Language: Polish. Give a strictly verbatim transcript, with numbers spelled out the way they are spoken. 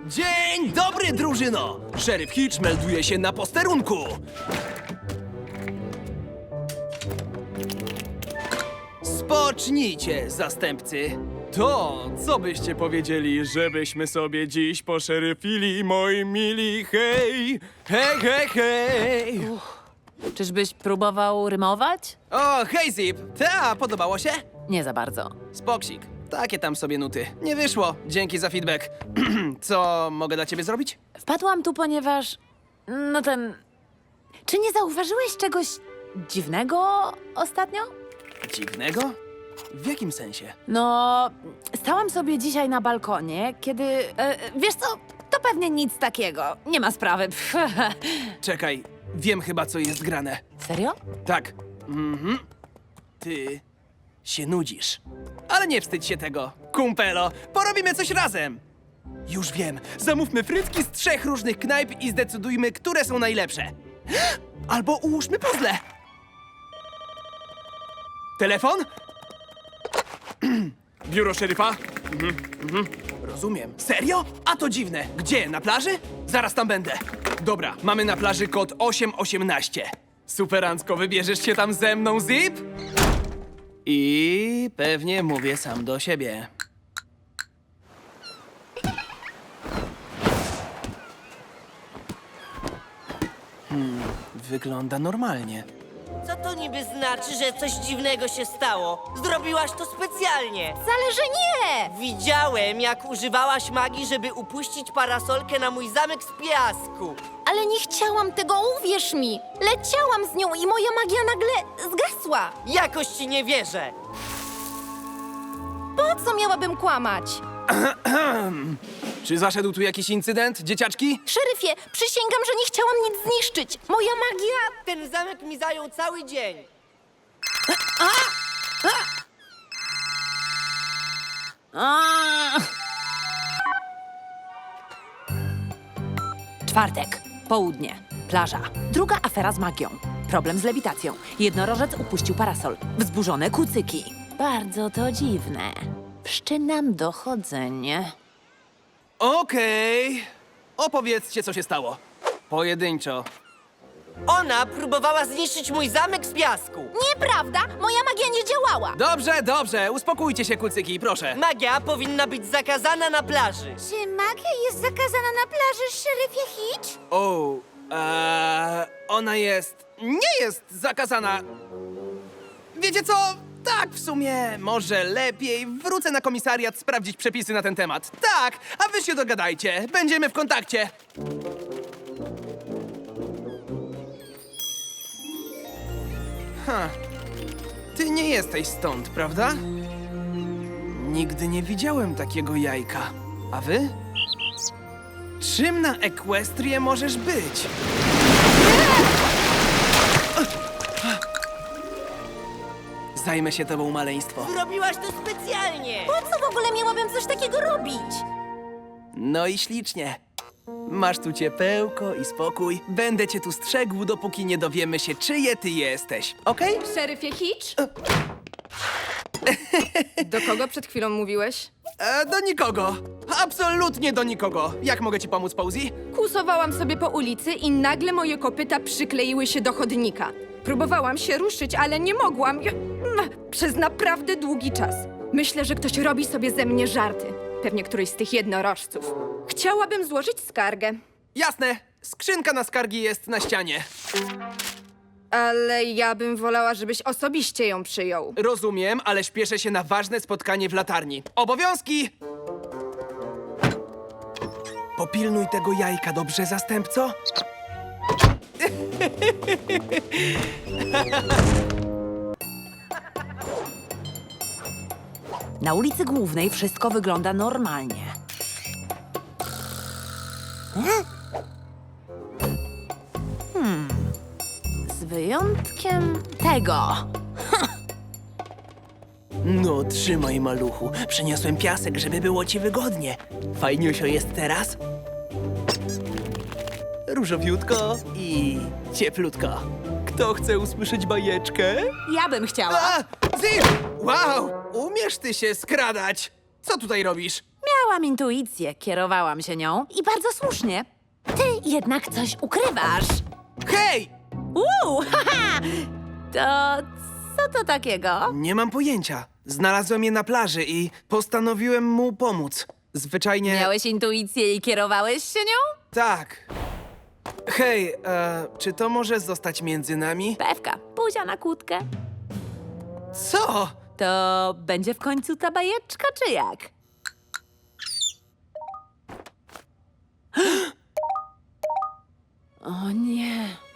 Dzień dobry, drużyno! Szeryf Hitch melduje się na posterunku. Spocznijcie, zastępcy. To, co byście powiedzieli, żebyśmy sobie dziś poszeryfili, moi mili, hej! Hej, hej, hej! Czyżbyś próbował rymować? O, hej, Zip! Ta, podobało się? Nie za bardzo. Spoksik. Takie tam sobie nuty. Nie wyszło. Dzięki za feedback. Co mogę dla ciebie zrobić? Wpadłam tu, ponieważ... No ten... Czy nie zauważyłeś czegoś dziwnego ostatnio? Dziwnego? W jakim sensie? No, stałam sobie dzisiaj na balkonie, kiedy... E, wiesz co, to pewnie nic takiego. Nie ma sprawy. Pff. Czekaj, wiem chyba, co jest grane. Serio? Tak. Mhm. Ty się nudzisz. Ale nie wstydź się tego. Kumpelo, porobimy coś razem. Już wiem. Zamówmy frytki z trzech różnych knajp i zdecydujmy, które są najlepsze. Albo ułóżmy puzzle. Telefon? Biuro szeryfa? Rozumiem. Serio? A to dziwne. Gdzie? Na plaży? Zaraz tam będę. Dobra, mamy na plaży kod osiem osiemnaście. Superancko, wybierzesz się tam ze mną, Zip? I pewnie mówię sam do siebie. Hmm, wygląda normalnie. Co to niby znaczy, że coś dziwnego się stało? Zrobiłaś to specjalnie. Wcale, że nie! Widziałem, jak używałaś magii, żeby upuścić parasolkę na mój zamek z piasku. Ale nie chciałam tego, uwierz mi! Leciałam z nią i moja magia nagle zgasła! Jakoś ci nie wierzę. Po co miałabym kłamać? Czy zaszedł tu jakiś incydent, dzieciaczki? Szeryfie, przysięgam, że nie chciałam nic zniszczyć! Moja magia... Ten zamek mi zajął cały dzień. A! Czwartek, południe, plaża. Druga afera z magią. Problem z lewitacją. Jednorożec upuścił parasol. Wzburzone kucyki. Bardzo to dziwne. Wszczynam dochodzenie. Okej. Opowiedzcie, co się stało. Pojedynczo. Ona próbowała zniszczyć mój zamek z piasku. Nieprawda! Moja magia nie działała! Dobrze, dobrze. Uspokójcie się, kucyki, proszę. Magia powinna być zakazana na plaży. Czy magia jest zakazana na plaży, szeryfie Hitch? O, eee, ona jest... Nie jest zakazana. Wiecie co? Tak, w sumie może lepiej wrócę na komisariat sprawdzić przepisy na ten temat. Tak, a wy się dogadajcie. Będziemy w kontakcie. Ha. Ty nie jesteś stąd, prawda? Nigdy nie widziałem takiego jajka. A wy? Czym na Ekwestrię możesz być? Zajmę się tobą, maleństwo. Zrobiłaś to specjalnie. Po co w ogóle miałabym coś takiego robić? No i ślicznie. Masz tu ciepełko i spokój. Będę cię tu strzegł, dopóki nie dowiemy się, czyje ty jesteś. Okej? Szeryfie Hitch? Do kogo przed chwilą mówiłeś? E, do nikogo. Absolutnie do nikogo. Jak mogę ci pomóc, Posey? Kłusowałam sobie po ulicy i nagle moje kopyta przykleiły się do chodnika. Próbowałam się ruszyć, ale nie mogłam. Ja- mm, Przez naprawdę długi czas. Myślę, że ktoś robi sobie ze mnie żarty. Pewnie któryś z tych jednorożców. Chciałabym złożyć skargę, Jasne. Skrzynka na skargi jest na ścianie. ale ja bym wolała, żebyś osobiście ją przyjął. Rozumiem, ale śpieszę się na ważne spotkanie w latarni. Obowiązki! Popilnuj tego jajka, dobrze, zastępco? Na ulicy Głównej wszystko wygląda normalnie. Hmm. Z wyjątkiem tego. No, trzymaj, maluchu. Przyniosłem piasek, żeby było ci wygodnie. Fajniusio jest teraz? Różowiutko i cieplutko. Kto chce usłyszeć bajeczkę? Ja bym chciała. A! Zip! Wow! Umiesz ty się skradać! Co tutaj robisz? Miałam intuicję, kierowałam się nią i bardzo słusznie. Ty jednak coś ukrywasz. Hej! Uuu, haha! To co to takiego? Nie mam pojęcia. Znalazłem je na plaży i postanowiłem mu pomóc. Zwyczajnie... Miałeś intuicję i kierowałeś się nią? Tak. Hej, e, czy to może zostać między nami? Pewka, buzia na kłódkę. Co? To będzie w końcu ta bajeczka, czy jak? O nie.